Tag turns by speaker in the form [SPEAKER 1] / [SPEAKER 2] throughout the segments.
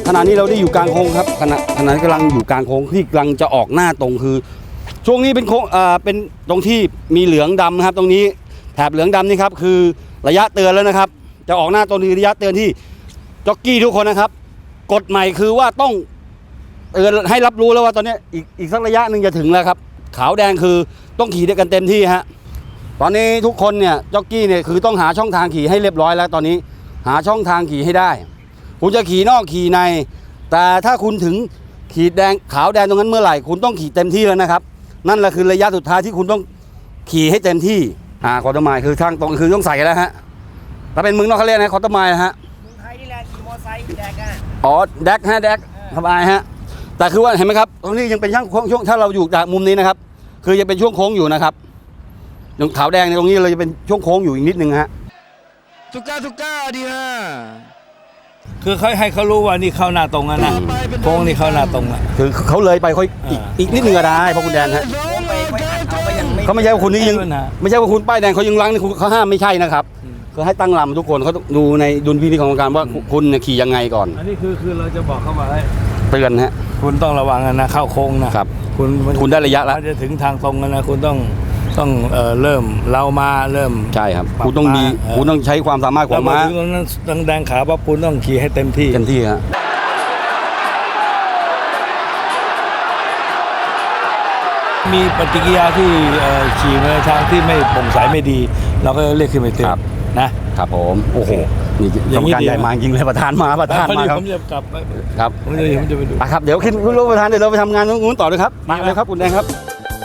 [SPEAKER 1] ขณะนี้เราได้อยู่กลางโค้งครับขณะนี้กำลังอยู่กลางโค้งที่กำลังจะออกหน้าตรงคือช่วงนี้เป็นโค้งเป็นตรงที่มีเหลืองดำนะครับตรงนี้แถบเหลืองดำนี่ครับคือระยะเตือนแล้วนะครับจะออกหน้าตรงนี้ระยะเตือนที่จ็อกกี้ทุกคนนะครับกฎใหม่คือว่าต้องเตือนให้รับรู้แล้วว่าตอนนี้อีกสักระยะหนึ่งจะถึงแล้วครับขาวแดงคือต้องขี่ด้วยกันเต็มที่ฮะตอนนี้ทุกคนเนี่ยจ็อกกี้เนี่ยคือต้องหาช่องทางขี่ให้เรียบร้อยแล้วตอนนี้หาช่องทางขี่ให้ได้คุณจะขี่นอกขี่ในแต่ถ้าคุณถึงขีดแดงขาวแดงตรงนั้นเมื่อไหร่คุณต้องขี่เต็มที่แล้วนะครับนั่นแหละคือระยะสุดท้ายที่คุณต้องขี่ให้เต็มที่คอร์ตไมล์คือทางตรงคือต้องใส่แล้วฮะถ้าเป็นเมืองนอกเขาเรียกนะคอร์ตไมล์ฮะเมืองไทยนี่แหละขี่มอไซค์แดกแดกฮะแดกสบายฮะแต่คือว่าเห็นไหมครับตรงนี้ยังเป็นช่วงถ้าเราอยู่จากมุมนี้นะครับคือยังเป็นช่วงโค้งอยู่นะครับอย่างขาวแดงในตรงนี้เราจะเป็นช่วงโค้งอยู่อีกนิดนึงฮะ
[SPEAKER 2] ทุกก้าดีฮะคือเขาให้เขารู้ว่านี่เข้าหน้าตรงนะโค้งนี่เข้าหน้าตรงอ่ะ
[SPEAKER 1] คือเขาเลยไปค่อยอีกนิดนึงก็ได้เพราะคุณแดนฮะเขาไม่ใช่ว่าคุณนี่ยังไม่ใช่ว่าคุณป้ายแดงเขายังล้างนี่เขาห้ามไม่ใช่นะครับก็ให้ตั้งลำทุกคนเขาดูในดุลพินิจของการว่าคุณขี่ยังไงก่อน
[SPEAKER 2] อันนี้คือเราจะบอกเขาว่า
[SPEAKER 1] เตือนฮะ
[SPEAKER 2] คุณต้องระวังนะเข้าโค้งนะครับ
[SPEAKER 1] คุณได้ระยะแล้ว
[SPEAKER 2] จะถึงทางตรงนะคุณต้องเริ่มเรามาเริ่ม
[SPEAKER 1] ใช่ครับคุณต้องใช้ความสามารถของม้า
[SPEAKER 2] ถึงตรงนั้นแดงขาปั๊บคุณต้องขี่ให้เต็มที่
[SPEAKER 1] ฮะ
[SPEAKER 2] มีปฏิกิริยาที่ขี่ในทางที่ไม่โปร่งใสไม่ดีเราก็เรียกขึ้นไปเตือน
[SPEAKER 1] นะครับผมโอ้โหนี่กรรมการใหญ่มาจริงเลยประธานมาครับ
[SPEAKER 2] ผมจะกลับ
[SPEAKER 1] ครับ
[SPEAKER 2] ผมจะไปดู
[SPEAKER 1] ครับเดี๋ยวขึ้นรถประธานเดี๋ยวเราไปทำงานตรงนู้นต่อเลยครับมาเลยครับคุณแดงครับ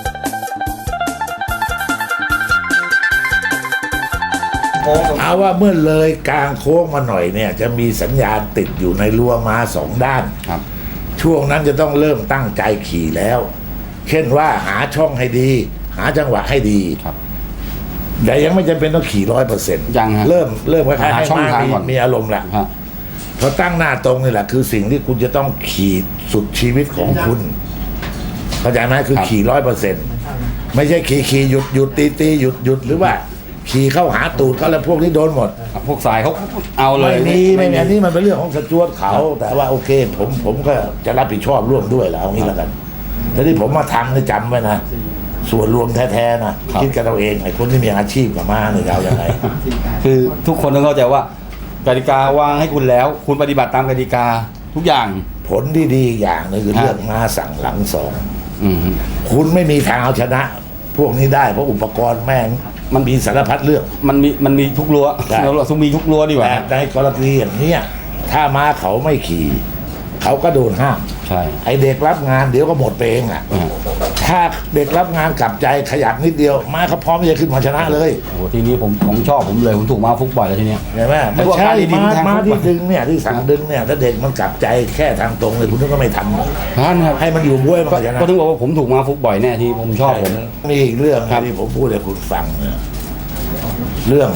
[SPEAKER 3] เอาว่าเมื่อเลยกลางโค้งมาหน่อยเนี่ยจะมีสัญญาณติดอยู่ในรั้วม้า2 ด้าน
[SPEAKER 1] ครับ
[SPEAKER 3] ช่วงนั้นจะต้องเริ่มตั้งใจขี่แล้วเช่นว่าหาช่องให้ดีหาจังหวะให้ดี
[SPEAKER 1] ครับ
[SPEAKER 3] แต่ยังไม่จำเป็นต้องขี่100%
[SPEAKER 1] ยัง
[SPEAKER 3] เริ่มคล้ายๆให้ม้ามีอารมณ์แหละพอตั้งหน้าตรงนี่แหละคือสิ่งที่คุณจะต้องขี่สุดชีวิตของคุณเข้าใจไหมคือขี่100%ไม่ใช่ขี่หยุดตีหยุดหรือว่าขี่เข้าหาตูดเขาแล้วพวกนี้โดนหมด
[SPEAKER 1] พวกสายเขาเอาเลย
[SPEAKER 3] ไม่มีอันนี้มันเป็นเรื่องของสจวตเขาแต่ว่าโอเคผมก็จะรับผิดชอบร่วมด้วยแล้วนี้แล้วกันแต่ที่ผมมาทำนี่จำไว้นะส่วนรวมแท้ๆนะคิดกันเราเองไอ้คนที่มีอาชีพกับม้าเนี่ยจะเอาอย่างไร
[SPEAKER 1] คือทุกคนต้องเข้าใจว่ากติกาวางให้คุณแล้วคุณปฏิบัติตามกติกาทุกอย่าง
[SPEAKER 3] ผลที่ดีอย่างนึงคือเรื่องม้าสั่งหลังสองคุณไม่มีทางเอาชนะพวกนี้ได้เพราะอุปกรณ์แม่งมันมีสารพัดเรื่อง
[SPEAKER 1] มันมีทุกรั้วเราต้องมีทุกรั้วดีกว่า
[SPEAKER 3] แต่ในกรณีอย่างนี้ถ้าม้าเขาไม่ขี่เขาก็โดนห้าม
[SPEAKER 1] ใช่
[SPEAKER 3] ไอเด็กรับงานเดี๋ยวก็หมดไปเองถ้าเด็กรับงานกลับใจขยับนิดเดียวม้าเขาพร้อมจะขึ้นมาชนะเลย
[SPEAKER 1] โอ้ทีนี้ผมชอบผมเลยผมถูกม้าฟุกบ่อยแล้วทีเนี้ย
[SPEAKER 3] เห็นไหมไม่ใช่ม้าที่ดึงเนี่ยที่สั่งดึงเนี่ยถ้าเด็กมันกลับใจแค่ทางตรงเลยคุณก็ไม่ทำ
[SPEAKER 1] ครับ
[SPEAKER 3] ให้มันอยู่บ้วยมันก็ชนะ
[SPEAKER 1] ก็ถึงบอกว่าผมถูกม้าฟุกบ่อยแน่ที่ผมชอบผม
[SPEAKER 3] มีอีกเรื่องที่ผมพูดให้คุณฟังเนี่ยเรื่อง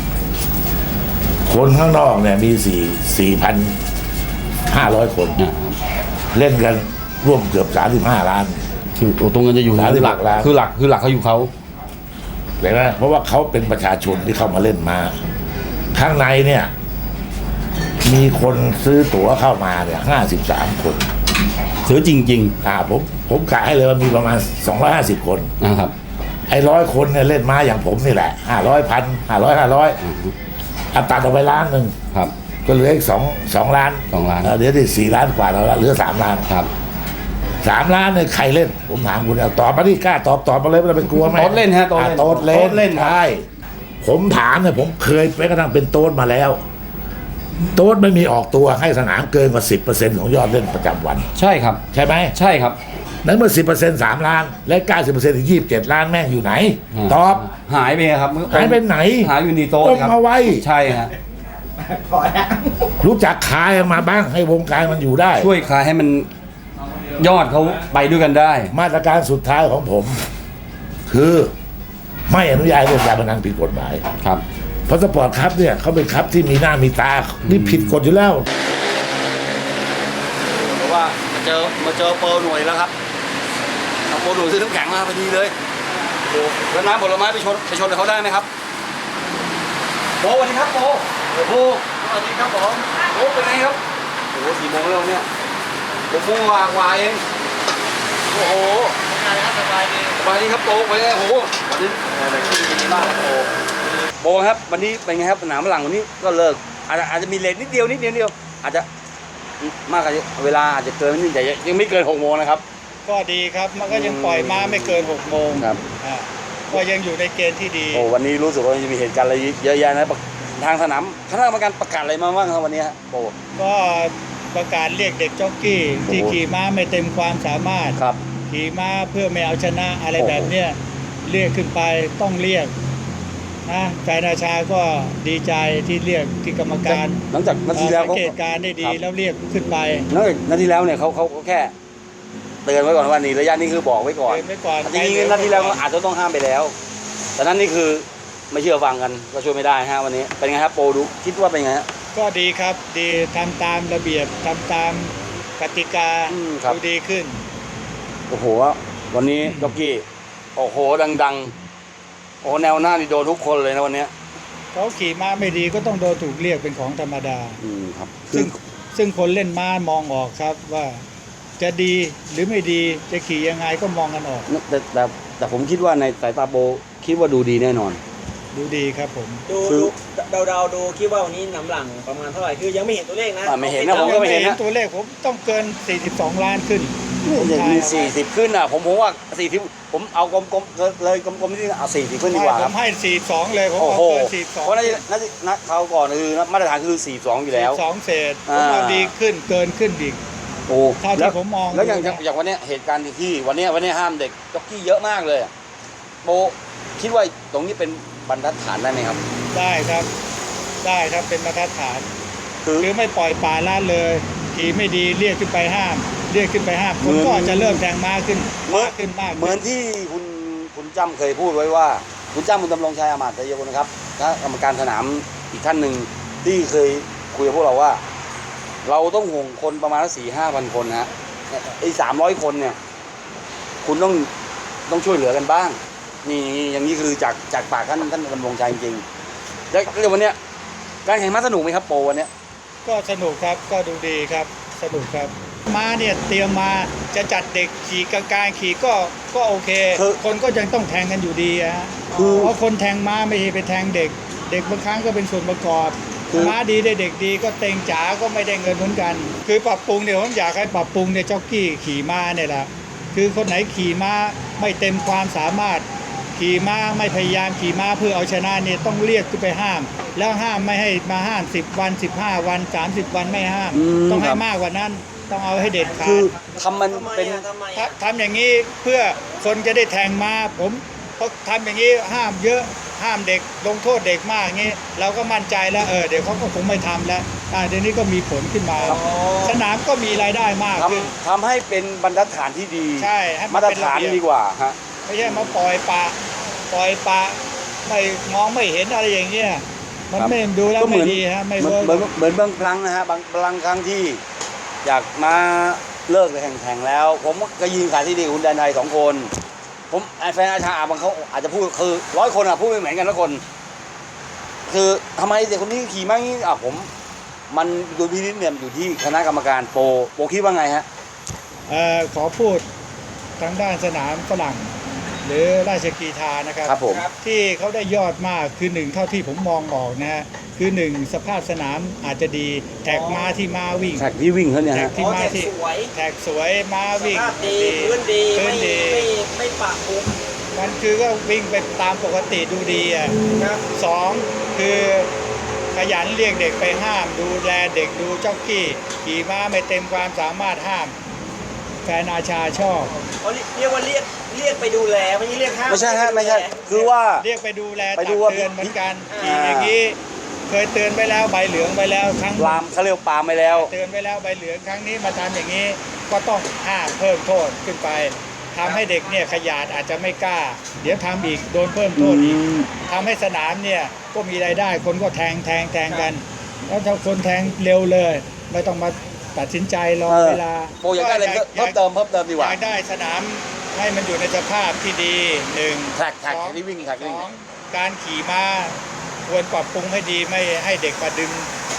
[SPEAKER 3] คนข้างนอกเนี่ยมี4,500 คนเล่นกันร่วมเกือบ35 ล้าน
[SPEAKER 1] คือตรงนั้นจะอยู่
[SPEAKER 3] หลักล้าน
[SPEAKER 1] คือหลักเขาอยู่เขา
[SPEAKER 3] เห็นไหมเพราะว่าเขาเป็นประชาชนที่เข้ามาเล่นมาข้างในเนี่ยมีคนซื้อตั๋วเข้ามาเนี่ย53 คน
[SPEAKER 1] ซื้อจริงๆ
[SPEAKER 3] ผมกะให้เลยว่ามีประมาณ250 คน
[SPEAKER 1] นะครับ
[SPEAKER 3] ไอ้100 คนเนี่ยเล่นมาอย่างผมนี่แหละ500,000 ตัดออกไป1 ล้าน
[SPEAKER 1] ครับ
[SPEAKER 3] ก็เหลืออีก2 ล้านเดี๋ยวที่4 ล้านกว่าแล้วเหลือ3 ล้าน
[SPEAKER 1] ครับ
[SPEAKER 3] 3 ล้านเนี่ยใครเล่นผมถามคุณเอาตอบมาที่กล้าตอบมาเลยไม่ต้องไปกลัวไหม
[SPEAKER 1] โต๊ดเล่นฮะโต๊ด
[SPEAKER 3] เล่นใช่ผมถามเนี่ยผมเคยไปกระทั่งเป็นโต๊ดมาแล้วโต๊ดไม่มีออกตัวให้สนามเกินกว่า 10% ของยอดเล่นประจำวัน
[SPEAKER 1] ใช่ครับ
[SPEAKER 3] ใช่ไหม
[SPEAKER 1] ใช่ครับ
[SPEAKER 3] นั้นเมื่อ 10% 3 ล้านและ 90% ถึง 27 ล้านแม่งอยู่ไหนตอบ
[SPEAKER 1] หายไปครับ
[SPEAKER 3] หายไปไหน
[SPEAKER 1] หายอยู่ในโต๊ดครับ
[SPEAKER 3] เอาไว้
[SPEAKER 1] ใช่ฮะ
[SPEAKER 3] รู้จักขายมาบ้างให้วงการมันอยู่ได้
[SPEAKER 1] ช่วยขายให้มันยอดเขาไปด้วยกันได้
[SPEAKER 3] มาตรการสุดท้ายของผมคือไม่อนุญาตให้เล่นการพนันผิดกฎหมาย
[SPEAKER 1] ครับ
[SPEAKER 3] เพราะสปอร์ตคัพเนี่ยเขาเป็นคัพที่มีหน้ามีตานี่ผิดกฎอยู่แล้ว
[SPEAKER 1] เพราะว่ามาเจอโปรหน่วยแล้วครับเอาโปรหน่วยซื้อน้ำแข็งมาพอดีเลยโอ้แล้วน้ำผลไม้ไปชนกับเขาได้ไหมครับโปรสวัสดีครับโปรสวัสดีครับผมโปรเป็นไงครับโอ้โห4 โมงแล้วเนี่ย6 โมงกว่าเองโอ้โหสบายดีครับโปไปเลยโอ้โหวันนี้ดีมากครับโปครับวันนี้เป็นไงครับสนามหลังวันนี้ก็เลิกอาจจะมีเลทนิดเดียวอาจจะมากกว่าเวลาอาจจะเกินนิดแต่ยังไม่เกิน6 โมงนะครับ
[SPEAKER 4] ก็ดีครับมันก็ยังปล่อยม้าไม่เกิน6 โมง
[SPEAKER 1] ครับ
[SPEAKER 4] ก็ยังอยู่ในเกณฑ์ที่ดี
[SPEAKER 1] โอ้วันนี้รู้สึกว่าจะมีเหตุการณ์อะไรเยอะแยะนะทางสนามคณะกรรมการประกาศอะไรมาบ้างครับวันนี้ฮะโป
[SPEAKER 4] ก็ประกาศเรียกเด็กจ็อกกี้ที่ขี่ม้าไม่เต็มความสามารถ
[SPEAKER 1] ครับ
[SPEAKER 4] ขี่ม้าเพื่อไม่เอาชนะอะไรแบบเนี้ยเรียกขึ้นไปต้องเรียกนะแฟนอาชาก็ดีใจที่เรียกที่กรรมการ
[SPEAKER 1] หลังจากนาทีแล้ว
[SPEAKER 4] สังเกตการณ์ได้ดีแล้วเรียกขึ้นไป
[SPEAKER 1] นาทีแล้วเนี่ยเขาแค่เตือนไว้ก่อนว่านี่ระยะนี้คือบอกไว้ก่อน
[SPEAKER 4] เตือนไว้ก่อน
[SPEAKER 1] จริงๆนาทีแล้วอาจจะต้องห้ามไปแล้ว แต่นั้นนี่คือไม่เชื่อฟังกันก็ช่วยไม่ได้ฮะวันนี้เป็นไงครับโปรดูคิดว่าเป็นไงฮะ
[SPEAKER 4] ก็ดีครับดีทำตามระเบียบทำตามกติกา
[SPEAKER 1] ครับ
[SPEAKER 4] ดูดีขึ้น
[SPEAKER 1] โอ้โหวันนี้จ็อกกี้โอ้โหดังโอ้แนวหน้านี่โดนทุกคนเลยนะวันนี้
[SPEAKER 4] เขาขี่ม้าไม่ดีก็ต้องโดนถูกเรียกเป็นของธรรมดา
[SPEAKER 1] ครับ
[SPEAKER 4] ซึ่งคนเล่นม้ามองออกครับว่าจะดีหรือไม่ดีจะขี่ยังไงก็มองกันออก
[SPEAKER 1] แต่ผมคิดว่าในสายตาโปรคิดว่าดูดีแน่นอน
[SPEAKER 4] ดูดีครับผม
[SPEAKER 5] ดูดูคิดว่าวันนี้น้ำหลังประมาณเท่าไหร่คือยังไม่เห็นตัวเลขนะ
[SPEAKER 1] ไม่เห็นนะผมก็ไม่เห็นนะ
[SPEAKER 4] ตัวเลขผมต้องเกิน42 ล้านขึ้น
[SPEAKER 1] อย่างมี40ขึ้นอ่ะผมว่า40ผมเอากลมๆเลยกลมๆที่เอา40ขึ้นดีกว่า
[SPEAKER 4] ผ
[SPEAKER 1] ครับ
[SPEAKER 4] มให้42เลยผม
[SPEAKER 1] โอ้
[SPEAKER 4] เอา
[SPEAKER 1] โห
[SPEAKER 4] เกิน
[SPEAKER 1] เพราะนัดเขาก่อนคือมาตรฐานคือ42อยู่แล้ว
[SPEAKER 4] 42เศษผมเอาดีขึ้นเกินขึ้นอีก
[SPEAKER 1] โอ้
[SPEAKER 4] เท่าที่ผมมอง
[SPEAKER 1] แล้วอย่างวันนี้เหตุการณ์ที่วันนี้ห้ามเด็กจ็อกกี้เยอะมากเลยโบคิดว่าตรงนี้เป็นบรรทัดฐานได้ไหมครับ
[SPEAKER 4] ได้ครับเป็นมาตรฐาน
[SPEAKER 1] คือ
[SPEAKER 4] หรือไม่ปล่อยปละละเลยขี่ไม่ดีเรียกขึ้นไปห้ามผมก็จะเริ่มแทงม้าขึ้นมากขึ้น
[SPEAKER 1] เหมือนที่คุณจ้ำเคยพูดไว้ว่าคุณจ้ำคุณดำรงชัยอามาตย์ชัยกุลนะครับคณะกรรมการสนามอีกท่านหนึ่งที่เคยคุยกับพวกเราว่า เราต้องห่วงคนประมาณ4-5,000 คนนะฮะไอ้300 คนเนี่ยคุณต้องช่วยเหลือกันบ้างนี่อย่างนี้คือจากปากท่านดำรงชัยจริงๆแล้ววันเนี้ยการแข่งม้าสนุกไหมครับโปรวันเนี้ย
[SPEAKER 4] ก็สนุกครับก็ดูดีครับสนุกครับม้าเนี่ยเตรียมมาจะจัดเด็กขี่กลางๆขี่ก็โอเค คนก็ยังต้องแทงกันอยู่ดีฮะเพราะคนแทงม้าไม่ใช่ไปแทงเด็กบางครั้งก็เป็นส่วนประกอบม้าดีได้เด็กดีก็เต็งจ๋าก็ไม่ได้เงินเหมือนกันคือปรับปรุงเนี่ยผมอยากให้ปรับปรุงเนี่ยจ็อกกี้ขี่ม้าเนี่ยแหละคือคนไหนขี่ม้าไม่เต็มความสามารถขี่ม้าไม่พยายามขี่ม้าเพื่อเอาชนะเนี่ยต้องเรียกขึ้นไปห้าม แล้วห้ามไม่ให้มาห้าม10 วัน15 วัน30 วันไม่ห้ามต้องให้มากกว่านั้นต้องเอาให้เด็ดขา
[SPEAKER 1] คือ
[SPEAKER 4] ด
[SPEAKER 1] ทำมันเป็น
[SPEAKER 4] ทำอย่างนี้เพื่อคนจะได้แทงม้าผมเพราะทำอย่างนี้ห้ามเยอะห้ามเด็กลงโทษเด็กมากอย่างนี้เราก็มั่นใจแล้วเดี๋ยวเขาก็คงไม่ทำแล้วเดี๋ยวนี้ก็มีผลขึ้นมาสนามก็มีรายได้มากขึ้น
[SPEAKER 1] ทำให้เป็นบรรทัดฐานที่ดี
[SPEAKER 4] ใช่ให้มัน
[SPEAKER 1] มาตร
[SPEAKER 4] เป็นระ
[SPEAKER 1] ฐาน
[SPEAKER 4] เบียบ
[SPEAKER 1] ดีกว่าฮะ
[SPEAKER 4] ไม่ใช่มาปล่อยปละไม่มองไม่เห็นอะไรอย่างเงี้ยมันไม่ดูแล้วไม่ดีฮะไม่เวิร์ก
[SPEAKER 1] เหมือนบางครั้งนะฮะบางครั้งที่อยากมาเลิกแข่งแล้ว ผมก็ยิงขายที่ดีคุณแดนไทย2 คนผมแฟนอาชาบางเขาอาจจะพูดคือ100 คนพูดไม่เหมือนกันทุกคน คือทำไมเด็กคนนี้ขี่มางี้มันดูพินิจเนี่ยอยู่ที่คณะกรรมการโปรคิดว่าไงฮะ
[SPEAKER 4] ขอพูดทางด้านสนามฝรั่งหรือราชกีฬานะครับ
[SPEAKER 1] ครับผม
[SPEAKER 4] ที่เขาได้ยอดมากคือ1เท่าที่ผมมองออกนะฮะคือ1สภาพสนามอาจจะดีแท็กม้าที่ม้าวิ่ง
[SPEAKER 1] แท็กที่วิ่งเขาเนี่ย
[SPEAKER 4] แท็
[SPEAKER 1] ฮะ
[SPEAKER 4] กที่ม้าที่แท็กสวยม้าวิ่ง
[SPEAKER 5] ภาพดีพื้นดีไม่ปะปุ๊บ
[SPEAKER 4] มันคือก็วิ่งไปตามปกติดูดีอ่ะ
[SPEAKER 5] ครับ
[SPEAKER 4] 2คือขยันเรียกเด็กไปห้ามดูแลเด็กดูจ็อกกี้ขี่ม้าไม่เต็มความสามารถห้ามแฟนอาชาชอบ
[SPEAKER 5] เขาเรียกว่าเรียกไปดูแลไม่ใช่เรียกห้าม
[SPEAKER 1] ไม่ใช่ฮะไม่ใช่คือว่า
[SPEAKER 4] เรียกไปดูแล
[SPEAKER 1] ไป
[SPEAKER 4] ตัก
[SPEAKER 1] ดูว่า
[SPEAKER 4] เตือนเหมือนกัน
[SPEAKER 1] อ่า
[SPEAKER 4] ขี่อย่างนี้เคยเตือนไปแล้วใบเหลืองไปแล้วครั้ง
[SPEAKER 1] ปรามเขาเรียกปรามไปแล้ว
[SPEAKER 4] เตือนไปแล้วใบเหลืองครั้งนี้มาทำอย่างนี้ก็ต้องห้ามเพิ่มโทษขึ้นไปทำให้เด็กเนี่ยขยาดอาจจะไม่กล้า เดี๋ยวทำอีกโดนเพิ่มโทษอีกทำให้สนามเนี่ยก็มีรายได้คนก็แทงกัน แล้วถ้าคนแทงเร็วเลย ไม่ต้องมาตัดสินใจรอเวลา
[SPEAKER 1] โปรอยากได้อะไรเพิ่มเติมดีก
[SPEAKER 4] อ
[SPEAKER 1] ว่า
[SPEAKER 4] ยากได้สนามให้มันอยู่ในสภาพที่ดี1
[SPEAKER 1] แท็กที่วิ่งแท็กที่วิ่ง
[SPEAKER 4] 2การขี่ม้าควรปรับปรุงให้ดีไม่ให้เด็กมาดึง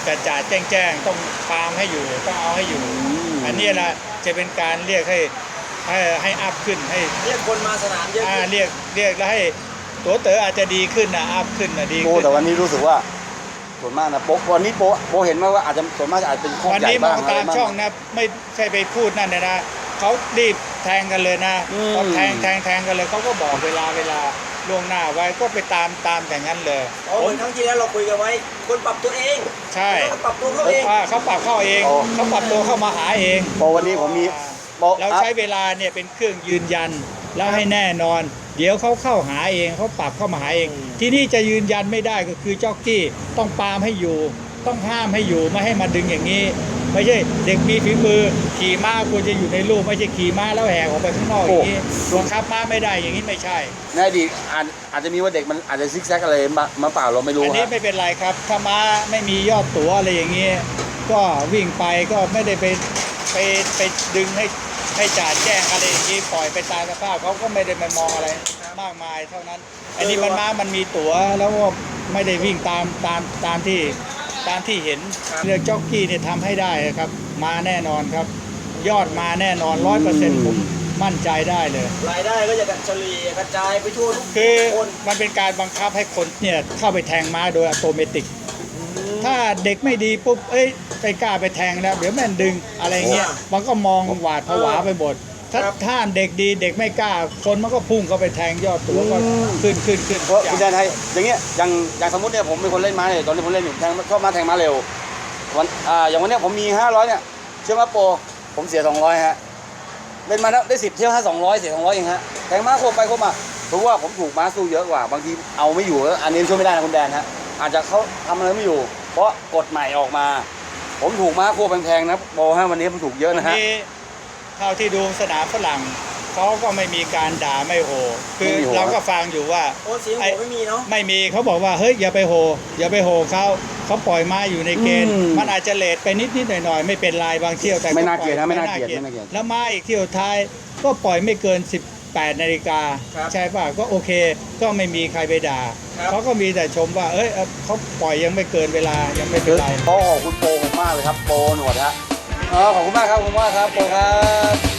[SPEAKER 4] จ่าแจ้งต้องตามให้อยู่ต้องเอาให้อยู่ อันนี้แหละจะเป็นการเรียกให้อัพขึ้นให้
[SPEAKER 5] เรียกคนมาสนามเยอะขึ้น
[SPEAKER 4] เรียกแล้วให้ตัวเต๋ออาจจะดีขึ้นนะอัพขึ้นนะดี
[SPEAKER 1] โอ้
[SPEAKER 4] ขึ้น
[SPEAKER 1] แต่วันนี้รู้สึกว่าส่วนมากนะโป๊ะวันนี้โป๊ะเห็นไหมว่าอาจจะส่วนมากอาจเป็นข้อ
[SPEAKER 4] วัน
[SPEAKER 1] ใหญ่
[SPEAKER 4] นี้ม
[SPEAKER 1] บ้า
[SPEAKER 4] อง งตามช่องนะไม่ใช่ไปพูดนั่นเลยนะเขารีบแทงกันเลยนะพอแทงกันเลยเขาก็บอกเวลาล่วงหน้าไว้ก็ไปตามอย่างนั้นเลย
[SPEAKER 5] เหมือนครั้งที่แล้วเราคุยกันไว้ คนปรับตัวเอง
[SPEAKER 4] ใช่
[SPEAKER 5] เขาปรับตัวเขาเอง
[SPEAKER 4] เขาปรับเข้าเองเขาปรับตัวเข้ามาหาเอง
[SPEAKER 1] โป๊ะวันนี้ผมมีโป๊ะ
[SPEAKER 4] เราใช้เวลาเนี่ยเป็นเครื่องยืนยันแล้วให้แน่นอน เดี๋ยวเขาเข้าหาเองเขาปรับเข้ามาหาเอง ที่นี่จะยืนยันไม่ได้ก็คือจ็อกกี้ต้องปรามให้อยู่ ต้องห้ามให้อยู่ไม่ให้มาดึงอย่างนี้ ไม่ใช่เด็กมีฝีมือขี่ม้าควรจะอยู่ในรูปไม่ใช่ขี่ม้าแล้วแหกออกไปข้างนอกอย่างนี้บังคับม้าไม่ได้อย่างนี้ไม่ใช่
[SPEAKER 1] ในอดีตอาจจะมีว่าเด็กมันอาจจะซิกแซกอะไรมาเปล่าเราไม่รู้
[SPEAKER 4] อันนี้
[SPEAKER 1] ฮะ
[SPEAKER 4] ไม่เป็นไรครับถ้าม้าไม่มียอดตั๋วอะไรอย่างนี้ก็วิ่งไปก็ไม่ได้ไปดึงให้จ่าแจ้งอะไรอย่างนี้ปล่อยไปตามสภาพเขาก็ไม่ได้มามองอะไรมากมายเท่านั้น อันนี้มันมีตั๋วแล้วก็ไม่ได้วิ่งตามที่เห็นเรื่องจ็อกกี้เนี่ยทำให้ได้ครับมาแน่นอนครับ ยอดมาแน่นอน 100%ผมมั่นใจได้เลย
[SPEAKER 5] รายได้ก็จะเฉลี่ยกระจายไปทั่วทุก
[SPEAKER 4] คือ
[SPEAKER 5] คน
[SPEAKER 4] มันเป็นการบังคับให้คนเนี่ยเข้าไปแทงม้าโดยอัตโนมัติ ถ้าเด็กไม่ดีปุ๊บไปกล้าไปแทงแล้วเดี๋ยวแม่นดึงอะไรเงี้ยมันก็มองหวาดผวาไปหมดถ้าเด็กดีเด็กไม่กล้าคนมันก็พุ่งเข้าไปแทงยอดตัวก็ขึ้น
[SPEAKER 1] เพราะคุณแดนไทยอย่างเงี้ยอย่างสมมติเนี่ยผมเป็นคนเล่นม้าเนี่ยตอนนี้ผมเล่นอยู่ชอบม้าแทงม้าเร็วอย่างวันเนี้ยผมมี500เนี่ยเชื่อว่าโปรผมเสีย200ฮะเล่นมาแล้วได้10เที่ยว200เสีย200เองฮะแทงม้าโคบไปโคบมาเพราะว่าผมถูกม้าสู้เยอะกว่าบางทีเอาไม่อยู่อันนี้ช่วยไม่ได้นะคุณแดนฮะอาจจะเขาทำอะไรไม่อยู่ เพราะกฎใหม่ออกมา ผมถูกม้าโคแพงๆนะโปรฮะวันนี้ผมถูกเยอะนะฮะ
[SPEAKER 4] นี่เท่าที่ดูสนามฝรั่งเขาก็ไม่มีการด่าไม่โหคือ
[SPEAKER 1] ไม่มีโห
[SPEAKER 4] เราก็ฟังอยู่ว่า
[SPEAKER 5] โอ้เสียงโหไม่มีเนาะ
[SPEAKER 4] ไม่มีเขาบอกว่าเฮ้ยอย่าไปโหเขาปล่อยม้าอยู่ในเกณฑ์มันอาจจะเลทไปนิดหน่อยไม่เป็นไรบางเที่ยวแต่
[SPEAKER 1] ไม่น่า
[SPEAKER 4] ปล่อ
[SPEAKER 1] เกลียดนะไม่น่า
[SPEAKER 4] ป
[SPEAKER 1] เกลียดไม่น่าเกลียด
[SPEAKER 4] แล้วม้าอีกเที่ยวท้ายก็ปล่อยไม่เกิน18 นาฬิกาใช่ป่ะก็โอเคก็ไม่มีใครไปด่าเขาก็มีแต่ชมว่าเขาปล่อยยังไม่เกินเวลายังไม่เป็นไร
[SPEAKER 1] ขอบคุณโปรผมมากเลยครับโปรหนวดฮะขอบคุณมากครับโปรครับ